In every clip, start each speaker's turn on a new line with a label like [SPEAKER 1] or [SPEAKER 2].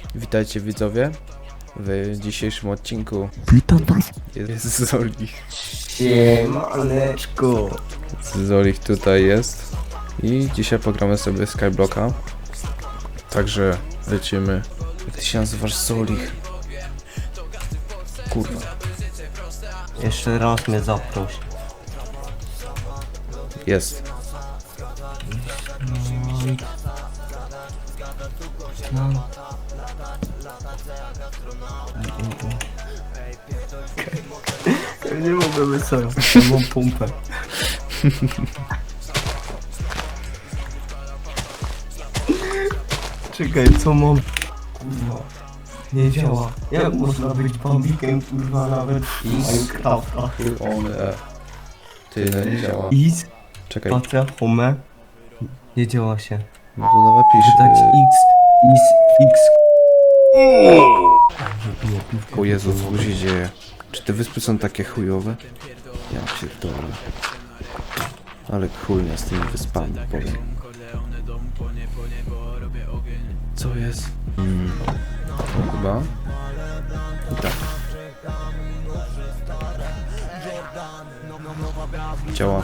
[SPEAKER 1] Witajcie widzowie w dzisiejszym odcinku.
[SPEAKER 2] Witam was.
[SPEAKER 1] Jest Zolich.
[SPEAKER 2] Siemaneczko.
[SPEAKER 1] Zolich tutaj jest. I dzisiaj pogramy sobie Skyblocka. Także lecimy. Jak ty się nazywasz, Zolich? Kurwa.
[SPEAKER 2] Jeszcze raz mnie zaproś.
[SPEAKER 1] Jest.
[SPEAKER 2] Ja nie mogę wysłać, ja mam pompę. Czekaj, co mam? Kurwa. Nie działa. Jak można być bambikiem, kurwa, nawet w Minecrafta?
[SPEAKER 1] Ty, no nie działa.
[SPEAKER 2] Is,
[SPEAKER 1] Czekaj,
[SPEAKER 2] spacja, home. Nie działa się.
[SPEAKER 1] no to nowa
[SPEAKER 2] Czytać
[SPEAKER 1] pisz.
[SPEAKER 2] X, is, X.
[SPEAKER 1] O Jezu, co się dzieje? Czy te wyspy są takie chujowe? Ja pierdolę. Ale chujnia z tymi wyspami, powiem. Co jest? Chyba? I tak. Działa.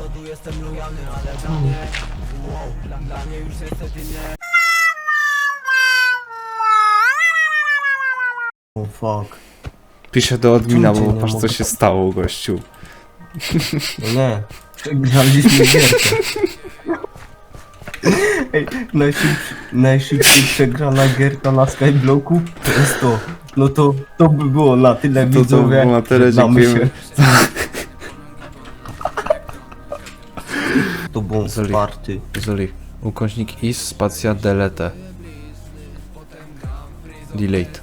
[SPEAKER 2] Oh fuck.
[SPEAKER 1] Piszę do admina,
[SPEAKER 2] Czemu
[SPEAKER 1] bo
[SPEAKER 2] cię nie
[SPEAKER 1] patrz co
[SPEAKER 2] mogę?
[SPEAKER 1] się stało, gościu.
[SPEAKER 2] No nie. Przegraliśmy gierkę. Ej, najszybciej przegrana gierka na Skyblocku to jest to. No to by było na tyle,
[SPEAKER 1] To
[SPEAKER 2] widzowie.
[SPEAKER 1] było na tyle,
[SPEAKER 2] Żegnamy
[SPEAKER 1] dziękujemy.
[SPEAKER 2] się. To był
[SPEAKER 1] Zoli.
[SPEAKER 2] wsparty.
[SPEAKER 1] Zoli, ukośnik is, spacja, delete. Delete.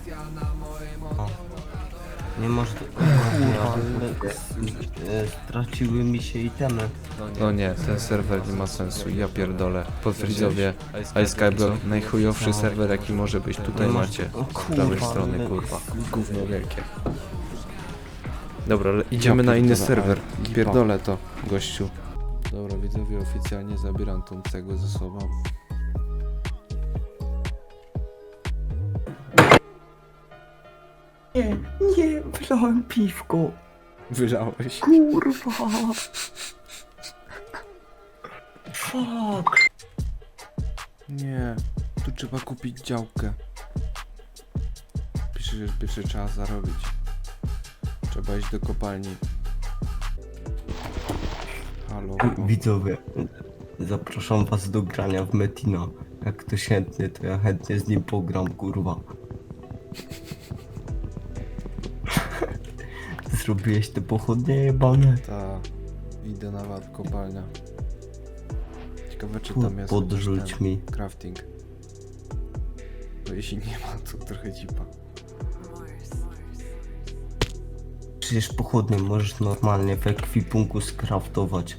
[SPEAKER 2] Nie masz... Kurwa, straciły mi się itemy.
[SPEAKER 1] No nie, ten serwer nie ma sensu, ja pierdolę. Potwierdzowie, iSkyblock, najchujowszy serwer jaki może być, tutaj macie. Z prawej strony, kurwa. Gówno wielkie. Dobra, idziemy na inny serwer. Pierdolę to, gościu. Dobra, widzowie, oficjalnie zabieram tą cegłę ze sobą.
[SPEAKER 2] Nie, wlałem piwko.
[SPEAKER 1] Wylałeś.
[SPEAKER 2] Kurwa. Fuck.
[SPEAKER 1] Nie, tu trzeba kupić działkę. Pisze, że pierwszy trzeba zarobić. Trzeba iść do kopalni. Halo.
[SPEAKER 2] Widzowie, zapraszam was do grania w Metina. Jak ktoś chętny, to ja chętnie z nim pogram, kurwa. Zrobiłeś te pochodnie jebane?
[SPEAKER 1] Ta, idę na ład kopalnia. Ciekawe czy
[SPEAKER 2] Tu
[SPEAKER 1] tam jest
[SPEAKER 2] podrzuć
[SPEAKER 1] jakiś
[SPEAKER 2] mi.
[SPEAKER 1] crafting. Bo jeśli nie ma, to trochę dzipa.
[SPEAKER 2] Przecież pochodnie możesz normalnie w ekwipunku skraftować.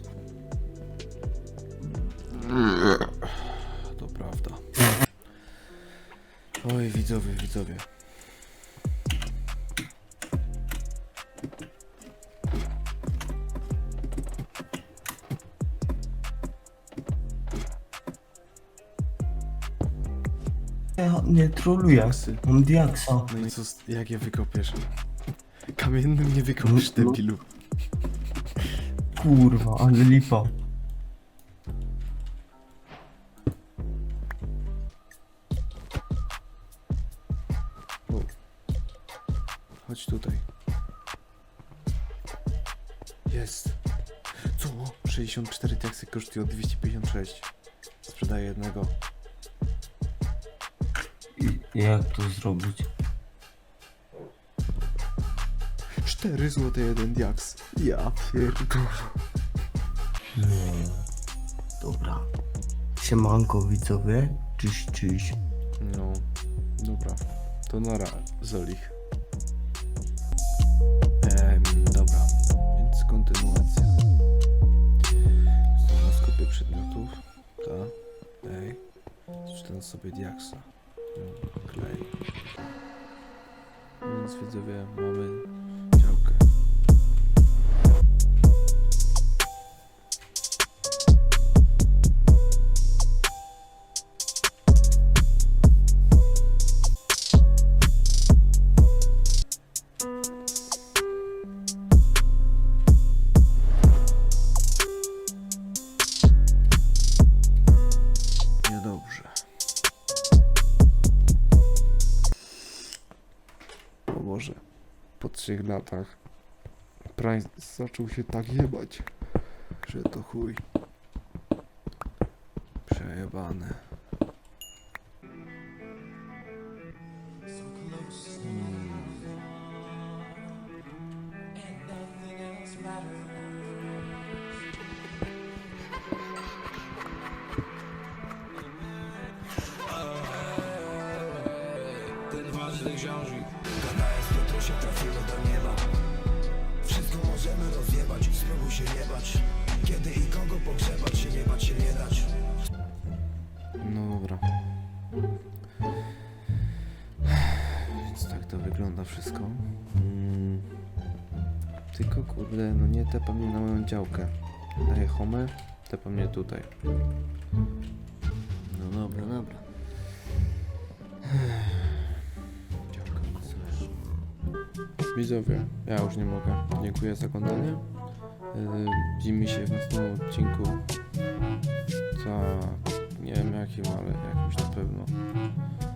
[SPEAKER 1] To prawda. Oj, widzowie, widzowie.
[SPEAKER 2] Ja nie troluję,
[SPEAKER 1] Diaksy.
[SPEAKER 2] mam diaksa.
[SPEAKER 1] No i co, jak je wykopiesz? Kamiennym nie wykopiesz, debilu.
[SPEAKER 2] Kurwa, ale lipa.
[SPEAKER 1] O. Chodź tutaj. Jest. Co? 64 diaksy kosztują 256. Sprzedaję jednego.
[SPEAKER 2] I jak to zrobić?
[SPEAKER 1] 4 zł jeden diaks. Ja pierdolę.
[SPEAKER 2] Nie. Dobra. Siemanko widzowie. Cześć, cześć.
[SPEAKER 1] No, dobra. To nara, Zolich. Dobra, więc kontynuacja. Na skupie przedmiotów. Tak. Ej. Przeczytam sobie diaksa. Klej. Więc widzowie, mamy działkę.
[SPEAKER 3] serwerze po 3 latach Price zaczął się tak jebać, że to chuj. Przejebane.
[SPEAKER 4] Ten ważny książek Kanałem z Piotrusia trafiły do nieba. Wszystko możemy rozjebać, spróbuj się nie bać. Kiedy i kogo pogrzebać się, nie bać się nie dać.
[SPEAKER 3] No dobra. Więc tak to wygląda wszystko. Tylko kurde, no nie tepa mnie na moją działkę. Daję homę, tepa mnie tutaj. No dobra, dobra. Działka sobie. Widzowie, ja już nie mogę. Dziękuję za oglądanie. Widzimy się w następnym odcinku. Nie wiem jakim, ale jakimś na pewno.